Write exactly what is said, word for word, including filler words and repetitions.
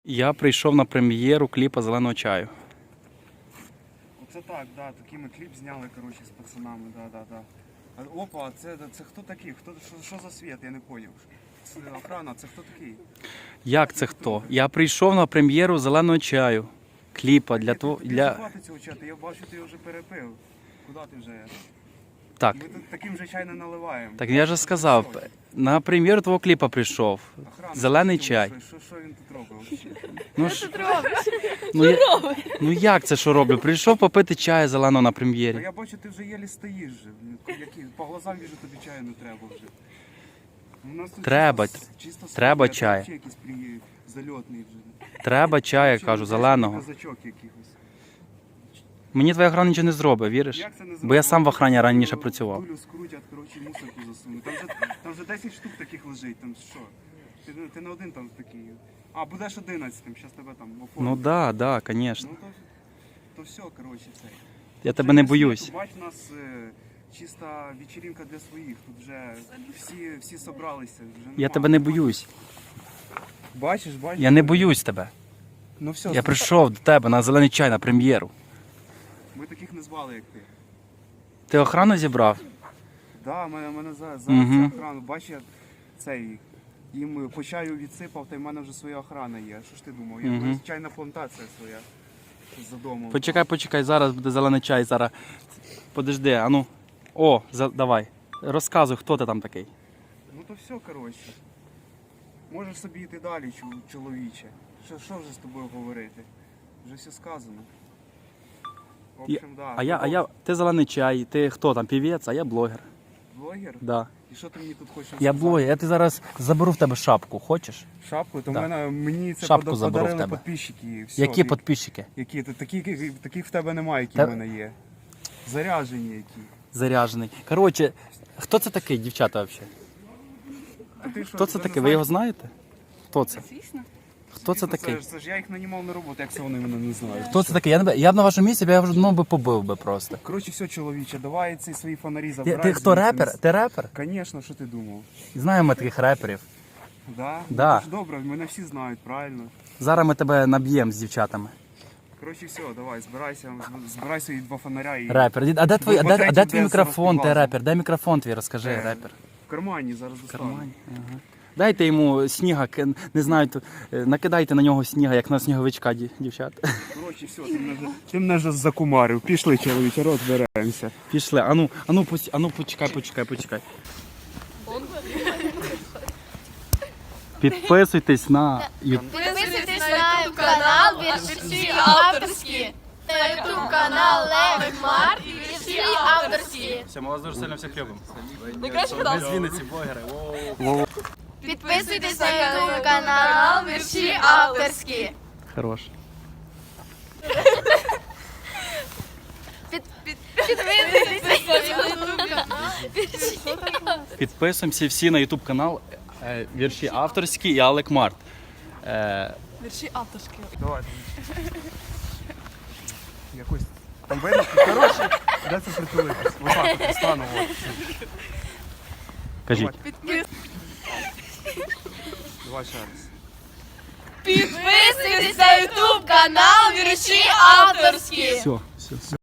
Я прийшов на прем'єру кліпа «Зеленого чаю». Оце так, да, такий ми кліп зняли, коротше, з пацанами, да, да, да. А, опа, а це, це хто такий? Хто, що, що за світ? Я не поняв. Це охрана, це хто такий? Як це хто? Я прийшов на прем'єру «Зеленого чаю». Кліпа для того... Тобі Для... хватить цього чату, я бачу, ти вже перепив. Куди ти вже? Так, Ми тут таким же чай не наливаємо. так я же сказав, на прем'єру твого кліпа прийшов. Охрана, «Зелений що, чай». Що, що, що він тут робив? Ну, ж... ну, я... ну як це що роблю? Прийшов попити чаю зеленого на А прем'єрі. я бачу, ти вже єлі стоїш же. Які, по глазам віжу, тобі чаю не треба вже. У нас тут Треба, чисто, чисто треба своє, чай. а ти якийсь при... зальотний вже. Треба чаю, я Чи кажу, ти зеленого. Казачок якихось. Мені твоя охрана нічого не зробить, віриш? Як це не Бо я зробив? сам в охрані раніше Дулю- працював. Дулю скрутять, коротше, мусорку засунуть. Там вже, там вже десять штук таких лежить, там що? Ти, ти не один там такий. А, будеш одинадцятим, зараз тебе там оформлять. Ну да, да, звісно. Ну то, то все, коротше, все. Я Вже тебе не без боюсь. світу, Бач, у нас е, чиста вечеринка для своїх. Тут вже всі, всі собралися. Вже Я нема. тебе не боюсь. Бачиш, бачиш? Я не боюсь тебе. Ну все, Я прийшов до тебе на зелений чай на прем'єру. ми таких не звали, як ти. Ти охрану зібрав? Да, мене, мене за, за Мгм. цю охрану. Бачиш, я цей, їм по чаю відсипав, та й в мене вже своя охрана є. Що ж ти думав? Я, Мгм. mm чайна плантація своя за домом. Почекай, почекай, зараз буде зелений чай, зараз. Подожди, а ну. О, за... давай. Розказуй, хто ти там такий. Ну то все, коротше. Можеш собі йти далі, чу- чоловіче. Що, що вже з тобою говорити? Вже все сказано. В общем, да. А я, а я, ти зелений чай, ти хто там, півець, а я блогер. Блогер? Да. І що ти мені тут хочеш Я сказати? блогер, я ти зараз заберу в тебе шапку, хочеш? Шапку? То Да. мене, мені це Шапку пода- заберу в подарили тебе. підписчики. Все, Які ти- підписчики? Які? Ти- Такі, які- таких в тебе немає, які Та- в мене є. Заряжені які. Заряджений. Коротше, хто це такий, дівчата, взагалі? А ти що, Хто це ти не такий? Ви знаєш? його знаєте? Хто це? Звісно. Хто це Звісно, такий? Це, ж- це ж я їх нанімав на роботу, як це вони мене не знають. Хто це такий? Я, не... я б на вашому місці, б я вже ну, би побив би просто. Коротше, все, чоловіче, давай ці свої фонарі Ти, забирай. ти хто, звідси. репер? Ти репер? Звісно, що ти думав? Знаємо ми таких реперів. Да? Да. Ну, то ж добре, мене всі знають, правильно. Зараз ми тебе наб'ємо з дівчатами. Коротше, все, давай, збирайся, збирай свої два фонаря і Репер. А де твій, а де, а де Потретє, твій де мікрофон, ти розпівати. репер? Дай мікрофон твій, розкажи, Е, репер. в кармані зараз В достану. кармані. Ага. Дайте йому сніга, к- не знаю, то, е, накидайте на нього сніга, як на сніговичка, ді- дівчат. Коротше, все, ти мене, вже- ти мене вже закумарив. Пішли, чоловіче, розберемося. Пішли. Ану, ану, пусть- ану, почекай, почекай, почекай. Підписуйтесь на YouTube. Підписуйтесь на YouTube канал Вірші авторські. На YouTube канал Левик Март Вірші авторські. Все, ми вас дуже сильно всіх любимо. Найкраще Ми канал. з Вінниці, блогери. Підписуйтесь на YouTube канал Вірші авторські. Хорош. Підписуйтесь на YouTube канал Вірші авторські. Підписуємося всі на YouTube канал е, Вірші авторські і Алек Март. Е, Вірші авторські. Давай. Якось там видно, коротше, де це притулитись? Отак от стану. От. кажіть. Давай. Давай ще раз. Підписуйтесь на YouTube канал Вірші авторські. Все, все.